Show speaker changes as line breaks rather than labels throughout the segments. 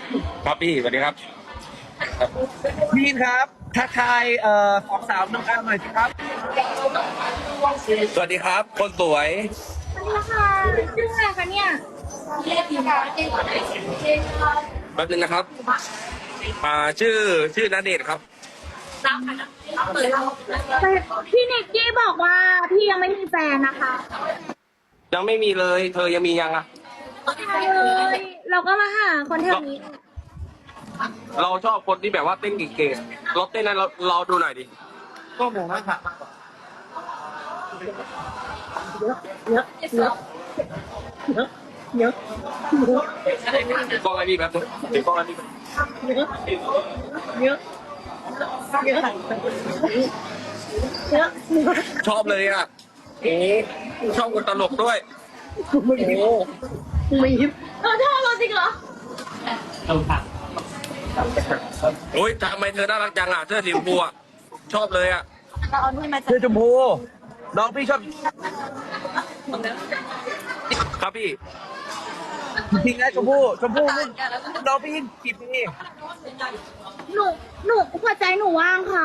ครับพี่สวัสดีครับครับ
พีนครับทักทายสองสาวน้องอาร์มหน่อยสิครับ
สวัสดีครับคนสวย
สวัสดีค่ะชื่ออะไรคะเนี่ย
แป๊บนึงนะครับชื่อณเดชน์ครับ
แต่พี่นิกกี้บอกว่าพี่ยังไม่มีแฟนนะคะ
ยังไม่มีเลยเธอยังมียังอ่ะ
ใช่เลยเราก็มาหาคนแถ
เรา
วนี้
เราชอบคนที่แบบว่าเต้นเก่งๆเราเต้นนั้นเราดูหน่อยดิก็ผมไม่ค่ะ
เยอะเยอะเยอะเยอะ
กล้องอะไรพี่แบบนึงถือกล้องอะไรพี่
เยอะเยอะเยอะเยอะ
ชอบเลยอ่ะโอ้ชอบคนตลกด้วย
ไม่ยิบชอบเราจริงเหรอ
โอ้ยทำไมเธอน่ารักจังอ่ะเสื้อสีชมพูอ่ะชอบเลยอ่ะ
เราเอาด้วยมาจาก
เสื้อชมพูน้องพี่ชอบ
ครับพี่
จริงนะชมพูนี่น้องพี่กี่ปี
หนูหนูหัวใจหนูว่างค่ะ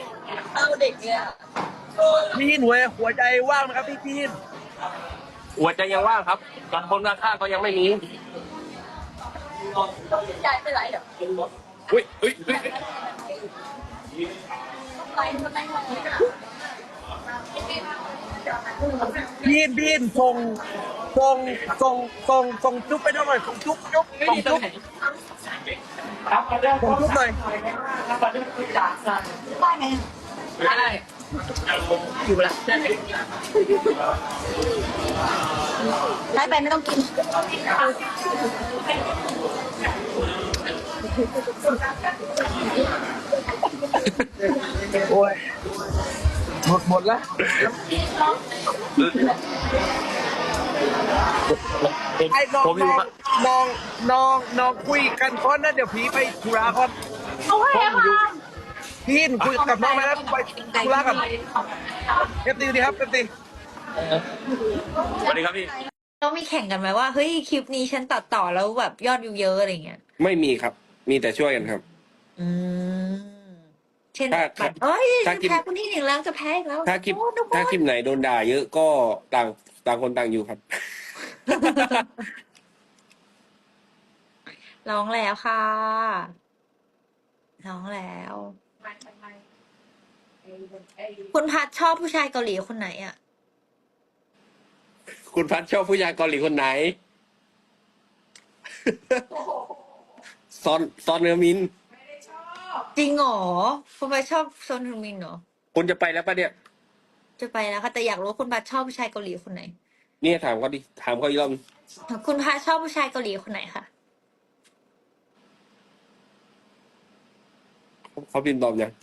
พี่หัวใจว่างไหมครับพี่น
หัวใจยังว่างครับกับคนข้างๆก็ยังไม่มี
ใจไม่ไหลเหรอ
อุ้ย
พี่นส่งจุ๊บไปหน่อยส่งจุ๊บส่งจุ๊บหน่อย
ได้ไหม
ไม่ได้อยู่ละ
ได้ไปไม่ต้องกิน
โอ้ยหมดแล้วไอ้น้อง
ผมอยู่
น้องคุยกันก่อนนะเดี๋ยวพี่ไปธุระก่อน
โอเคค่ะ
พี่นคุยกับน้องไหมนะไปธุระกันเอฟตีดีครับเอฟตี
สวัสดีครับพี่
ต้องมีแข่งกันไหมว่าเฮ้ยคลิปนี้ฉันตัดต่อแล้วแบบยอดวิวเยอะอะไรเงี้ย
ไม่มีครับมีแต่ช่วยกันครับ
อืมเช่น
ถ้า
แบบเอ้ย
ถ้าคลิป
จะแพ้คนที่หนึ่งแล้วจะแพ้อีกแล้ว
ถ้าคลิป
โอ้ทุกคน
ถ้าคลิปไหนโดนด่าเยอะก็ต่างคนต่างอยู่ครับ
ร้องแล้วค่ะร้องแล้ว คุณพัดชอบผู้ชายเกาหลีคนไหนอ่ะ
คุณพัดชอบผู้ชายเกาหลีคนไหนซอนเนอร์มิน
จริงเหรอคุณพัดชอบซอนฮึงมินเหรอ
คุณจะไปแล้วปะเนี่ย
จะไปแล้วค่ะแต่อยากรู้ว่าคุณพัดชอบผู้ชายเกาหลีคนไหน
เนี่ยถามเขาดิถามเขาอีกรอบ
คุณพัดชอบผู้ชายเกาหลีคนไหนคะ
เขาพิมพ์ตอบยัง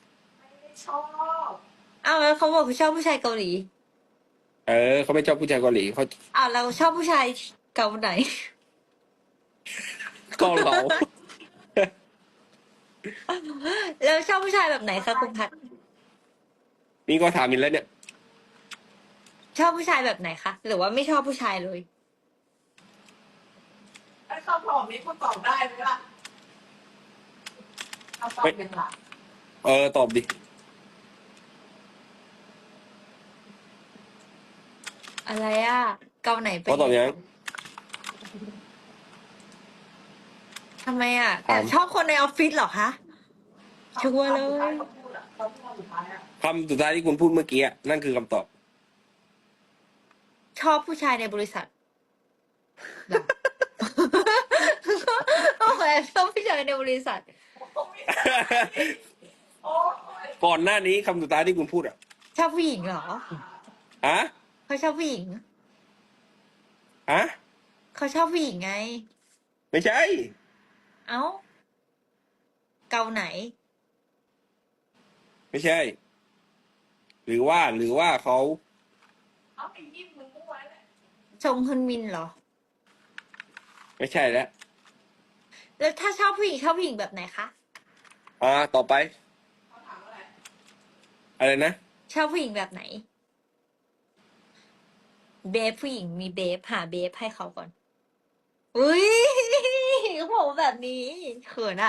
อ้าวแล้วเขาบอกเขาชอบผู้ชายเกาหลี
เขาไม่ชอบผู้ชายเกาหลีเขา
อ้าวเราชอบผู้ชายเกาไหน
เกาเหลา
แล้วชอบผู้ชายแบบไหนคะคุณพัด
นี่ก็ถามอีกแล้วเนี่ย
ชอบผู้ชายแบบไหนคะหรือว่าไม่ชอบผู้ชายเลย
ถ้าคำตอบนี้คุณตอบได้ไหมล่ะคำตอบเป็นหลัก
ตอบดิ
อะไรอะเกาไหนเป็น
เขาตอบยัง
ทำไมอะแอ
ถาม
บชอบคนในออฟฟิศเหรอคะชัวร์เลย
คำสุดท้ายที่คุณพูดเมื่อกี้อะนั่นคือคำตอบ
ชอบผู้ชายในบริษัทโอ้โหแอบชอบผู้ชายในบริษัท
ก่อนหน้านี้คำสุดท้ายที่คุณพูดอ่ะ
ชอบผู้หญิงเหรอ
อะ
เขาชอบผู้หญิง
อะ
เขาชอบผู้หญิงไง
ไม่ใช่
เอ้าเกาไหน
ไม่ใช่ หรือว่าเขา
เอาไปยิ้มมึงมั่วเลย
ชงฮึนมินเหรอ
ไม่ใช่แล้ว
แล้วถ้าชอบผู้หญิงชอบผู้หญิงแบบไหนคะ
ต่อไป
เขาถามว่าอะไร
อะไรนะ
ชอบผู้หญิงแบบไหน เบฟผู้หญิงมีเบฟหาเบฟให้เขาก่อนอุ้ยก็บอกว่าแบบนี้เขินอะ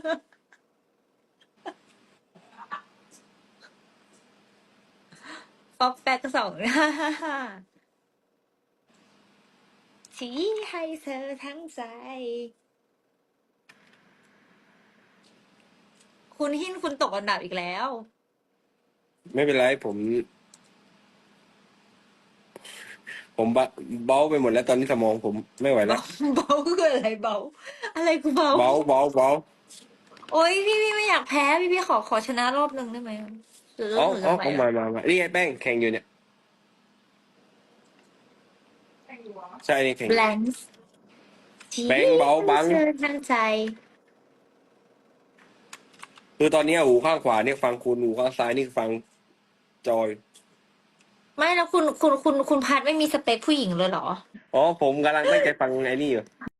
ป๊อกแป๊กสอง ชี้ให้เธอทั้งใจ คุณหินคุณตกอันดับอีกแล้ว
ไม่เป็นไรผมเบาไปหมดแล้วตอนนี้สมองผมไม่ไหวแล้ว
เบาคืออะไรเบา อะไรกูเบา
เบา
โอ๊ยพี่ไม่อยากแพ้พี่ขอชนะรอบหนึ่งได้ไหมหรือ
อ๋อ
หรือ
อ๋อ
อะไร
เอา
อะ
มานี่ไงแป้งแข่งอยู่เนี่ย
แข่งอยู่เหรอ
ใช่นี่แข่ง
แบงค์ชี้
แบงค์เบาบัง
ให้เธอทั้งใจ
คือตอนนี้หูข้างขวาเนี่ยฟังคุณหูข้างซ้ายนี่ฟังจอย
ไม่แล้วคุณพัดไม่มีสเปคผู้หญิงเลยเหรอ
อ๋อผมกำลังตั้งใจฟังไอ้นี่อยู่